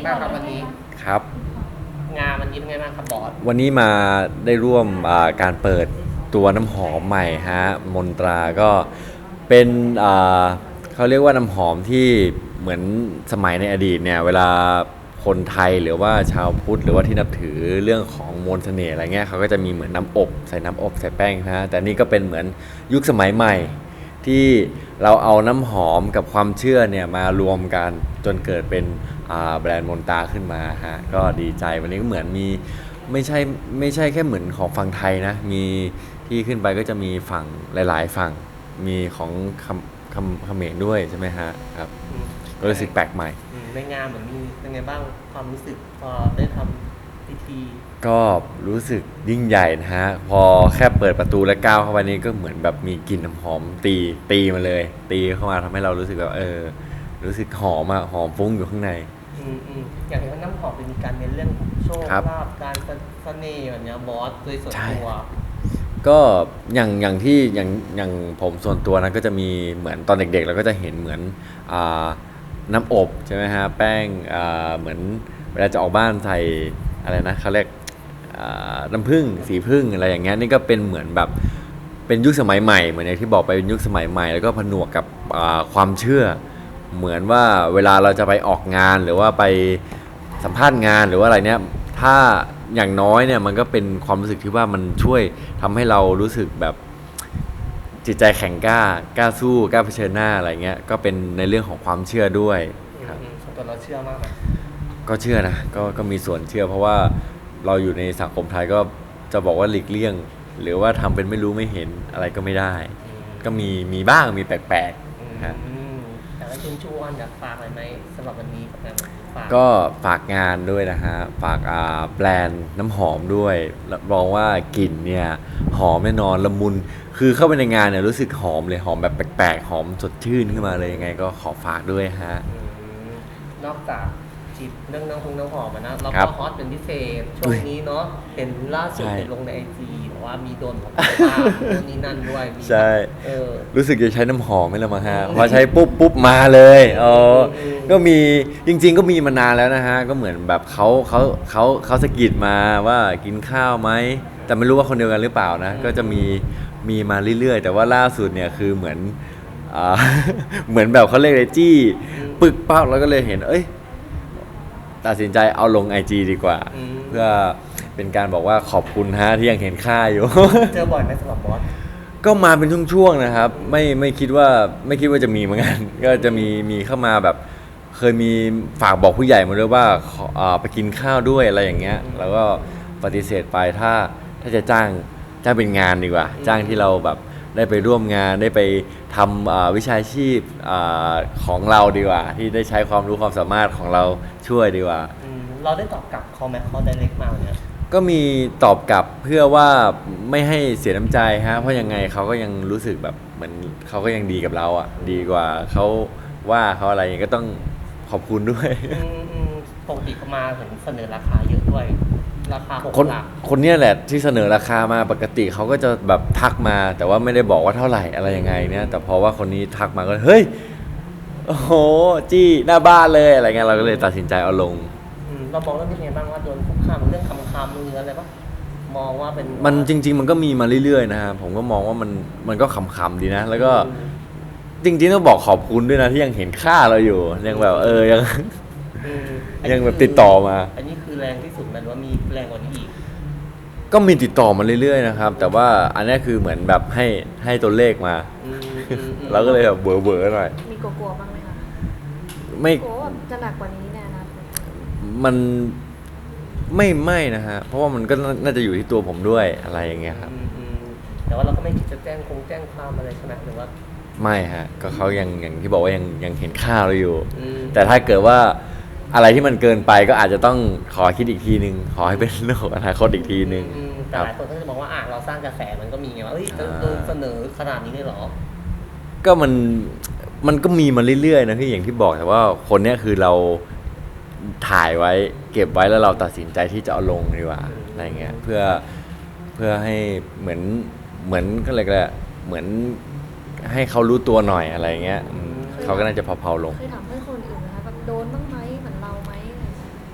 บ้างครับวันนี้ครับงานวันนี้เป็นไงบ้างครับบอสวันนี้มาได้ร่วมการเปิดตัวน้ำหอมใหม่ฮะมนตราก็เป็นอ่าเขาเรียกว่าน้ำหอมที่เหมือนสมัยในอดีตเนี่ยเวลาคนไทยหรือว่าชาวพุทธหรือว่าที่นับถือเรื่องของมนต์เสน่ห์อะไรเงี้ยเขาก็จะมีเหมือนน้ำอบใส่น้ำอบใส่แป้งนะแต่นี่ก็เป็นเหมือนยุคสมัยใหม่ที่เราเอาน้ำหอมกับความเชื่อเนี่ยมารวมกันจนเกิดเป็นแบรนด์มนตราขึ้นมาฮะก็ดีใจวันนี้ก็เหมือนมีไม่ใช่ไม่ใช่แค่เหมือนของฝั่งไทยนะมีที่ขึ้นไปก็จะมีฝั่งหลายๆฝั่งมีของเขมรด้วยใช่ไหมฮะครับอืมก็รู้สึกแปลกใหม่ในงานเหมือนมีเป็นไงบ้างความรู้สึกพอได้ทำพิธีก็รู้สึกยิ่งใหญ่นะฮะพอแค่เปิดประตูและก้าวเข้าไปนี้ก็เหมือนแบบมีกลิ่นน้ำหอมตีมาเลยตีเข้ามาทำให้เรารู้สึกแบบรู้สึกหอมอะหอมฟุ้งอยู่ข้างในอย่างเห็นว่าน้ำหอมเป็นมีการเน้นเรื่องโชคครับลาภการเสน่ห์แบบเนี้ยบอสโดยส่วนใช่ตัวก็อย่างที่อย่างผมส่วนตัวนะก็จะมีเหมือนตอนเด็กๆเราก็จะเห็นเหมือนอ่าน้ำอบใช่ไหมฮะแป้งเหมือนเวลาจะออกบ้านใส่อะไรนะเขาเรียกน้ำผึ้งสีผึ้งอะไรอย่างเงี้ยนี่ก็เป็นเหมือนแบบเป็นยุคสมัยใหม่เหมือนอย่างที่บอกไปเป็นยุคสมัยใหม่แล้วก็ผนวกกับความเชื่อเหมือนว่าเวลาเราจะไปออกงานหรือว่าไปสัมภาษณ์งานหรือว่าอะไรเนี้ยถ้าอย่างน้อยเนี่ยมันก็เป็นความรู้สึกที่ว่ามันช่วยทำให้เรารู้สึกแบบจิตใจแข็งกล้าสู้กล้าเผชิญหน้าอะไรเงี้ยก็เป็นในเรื่องของความเชื่อด้วยครับส่วนตัวเราเชื่อมากไหมก็เชื่อนะก็มีส่วนเชื่อเพราะว่าเราอยู่ในสังคมไทยก็จะบอกว่าหลีกเลี่ยงหรือว่าทำเป็นไม่รู้ไม่เห็นอะไรก็ไม่ได้ก็มีบ้างมีแปลกๆฮะแต่ว่าชวนอยากฝากอะไรไหมสำหรับวันนี้กับงานฝากก็ฝากงานด้วยนะฮะฝากแบรนด์น้ำหอมด้วยรับรองว่ากลิ่นเนี่ยหอมแน่นอนละมุนคือเข้าไปในงานเนี่ยรู้สึกหอมเลยหอมแบบแปลกๆหอมสดชื่นขึ้นมาเลยยังไงก็ขอฝากด้วยฮะอืมนอกจากจิบเรื่องน้ำหอมอะนะเราครัก็บฮอตเป็นพิเศษช่วงนี้เนาะเห็นล่าสุดใช่เห็นลงในไอจีบอกว่ามีโดนของบ้านโน่นนี่นั่นด้วยมีใช่เออรู้สึกจะใช้น้ำหอมไม่ละมั้งฮะพอใช้ปุ๊บมาเลยก็มีจริงๆก็มีมานานแล้วนะฮะก็เหมือนแบบเขาสะกิดมาว่ากินข้าวไหมแต่ไม่รู้ว่าคนเดียวกันหรือเปล่านะก็จะมีมาเรื่อยๆแต่ว่าล่าสุดเนี่ยคือเหมือนอ่าเหมือนแบบเขาเรียกอะไรจี้ปึกปั๊บแล้วก็เลยเห็นตัดสินใจเอาลง IG ดีกว่าเพื่อเป็นการบอกว่าขอบคุณฮะที่ยังเห็นค่าอยู่เจอบ่อยไหมสำหรับบอสก็มาเป็นช่วงๆนะครับไม่คิดว่าจะมีเหมือนกันก็จะมีเข้ามาแบบเคยมีฝากบอกผู้ใหญ่มาด้วยว่าไปกินข้าวด้วยอะไรอย่างเงี้ยแล้วก็ปฏิเสธไปถ้าจะจ้างเป็นงานดีกว่าจ้างที่เราแบบได้ไปร่วมงานได้ไปทำวิชาชีพของเราดีกว่าที่ได้ใช้ความรู้ความสามารถของเราช่วยดีกว่าเราได้ตอบกลับเขาไหมเขาไดเรกมาเนี่ยก็มีตอบกลับเพื่อว่าไม่ให้เสียน้ำใจฮะเพราะยังไงเขาก็ยังรู้สึกแบบเหมือนเขาก็ยังดีกับเราอ่ะดีกว่าเขาว่าเขาอะไรอย่างเงี้ยก็ต้องขอบคุณด้วยปกติเขามาถึงเสนอราคาเยอะด้วยราคาหกคนหลักคนเนี้ยแหละที่เสนอราคามาปกติเขาก็จะแบบทักมาแต่ว่าไม่ได้บอกว่าเท่าไหร่อะไรยังไงเนี่ยแต่พอว่าคนนี้ทักมาก็เฮ้ยโอ้โหจี้หน้าบ้านเลยอะไรเงี้ยเราก็เลยตัดสินใจเอาลงเรามองเรื่องนี้ไงบ้างว่าโดนคุกคามเรื่องคำมืออะไรปะมองว่าเป็นมันจริงๆมันก็มีมาเรื่อยๆนะฮะผมก็มองว่ามันก็ขำๆดีนะแล้วก็จริงๆต้องบอกขอบคุณด้วยนะที่ยังเห็นค่าเราอยู่ยังแบบยัง ยังแบบติดต่อมาอันนี้คือแรงที่สุดมันว่ามีแรงกว่านี้อีกก็มีติดต่อมาเรื่อยๆนะครับแต่ว่าอันนี้คือเหมือนแบบให้ตัวเลขมาเราก็เลยแบบเบอร์หน่อยมีกลัวๆบ้างไหมคะไม่กลัวว่าจะหนักกว่านี้ในอนาคตมันไม่นะฮะเพราะว่ามันก็น่าจะอยู่ที่ตัวผมด้วยอะไรอย่างเงี้ยครับแต่ว่าเราก็ไม่คิดจะแจ้งความอะไรใช่ไหมหรือว่าไม่ฮะก็เขาอย่างที่บอกว่ายังเห็นค่าเราอยู่แต่ถ้าเกิดว่าอะไรที่มันเกินไปก็อาจจะต้องขอคิดอีกทีนึงขอให้เป็นเรื่องของอนาคตอีกทีนึงแต่หลายคนก็จะบอกว่าเราสร้างกระแสมันก็มีไงว่าโดนเสนอขนาดนี้เลยเหรอก็มันก็มีมาเรื่อยๆนะพี่อย่างที่บอกแต่ว่าคนเนี้ยคือเราถ่ายไว้เก็บไว้แล้วเราตัดสินใจที่จะเอาลงดีกว่าอะไรเงี้ยเพื่อให้เหมือนก็เลยก็เหมือนให้เขารู้ตัวหน่อยอะไรเงี้ยเขาก็น่าจะเผาๆลงเคยถามเพื่อนคนอื่นนะคะแบบโดนบ้างไหมเหมือนเราไหมอะไร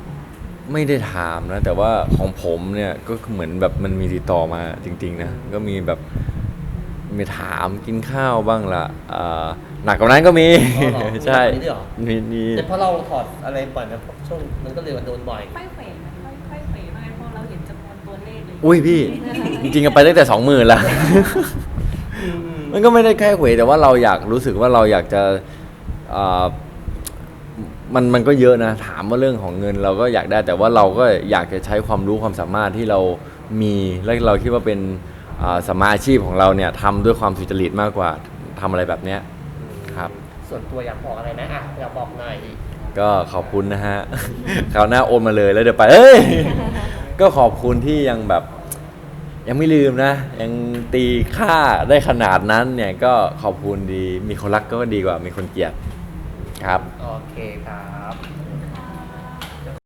ไม่ได้ถามนะ แต่ว่าของผมเนี่ยก็เหมือนแบบมันมีติดต่อมาจริงๆนะก็มีแบบมีถามกินข้าวบ้างละหนักกว่านั้นก็มีอ๋อเหรอใช่มีแบบนี้ด้วยเหรอมีแต่พอเราถอดอะไรบ่อยนะช่วงมันก็เลยว่าโดนบ่อยค่อยเขวไหมค่อยเขวมากเพราะเราเห็นจำนวนตัวเลขเลยอุ้ยพี่ จริงๆก็ไปตั้งแต่ 20,000ละ มันก็ไม่ได้แค่เหวยแต่ว่าเราอยากรู้สึกว่าเราอยากจะอ่ามันก็เยอะนะถามว่าเรื่องของเงินเราก็อยากได้ แต่ว่าเราก็อยากจะใช้ความรู้ความสามารถที่เรามีและเราคิดว่าเป็นสัมมาอาชีพของเราเนี่ยทำด้วยความสุจริตมากกว่าทำอะไรแบบเนี้ยครับส่วนตัวอยากบอกอะไรนะอ่ะอยากบอกหน่อยก็ขอบคุณนะฮะ คราวหน้าโอนมาเลยแล้วเดี๋ยวไปก็ขอบคุณที่ยังแบบยังไม่ลืมนะ ยังตีค่าได้ขนาดนั้นเนี่ยก็ขอบคุณดีมีคนรักก็ดีกว่ามีคนเกลียดครับโอเคครับ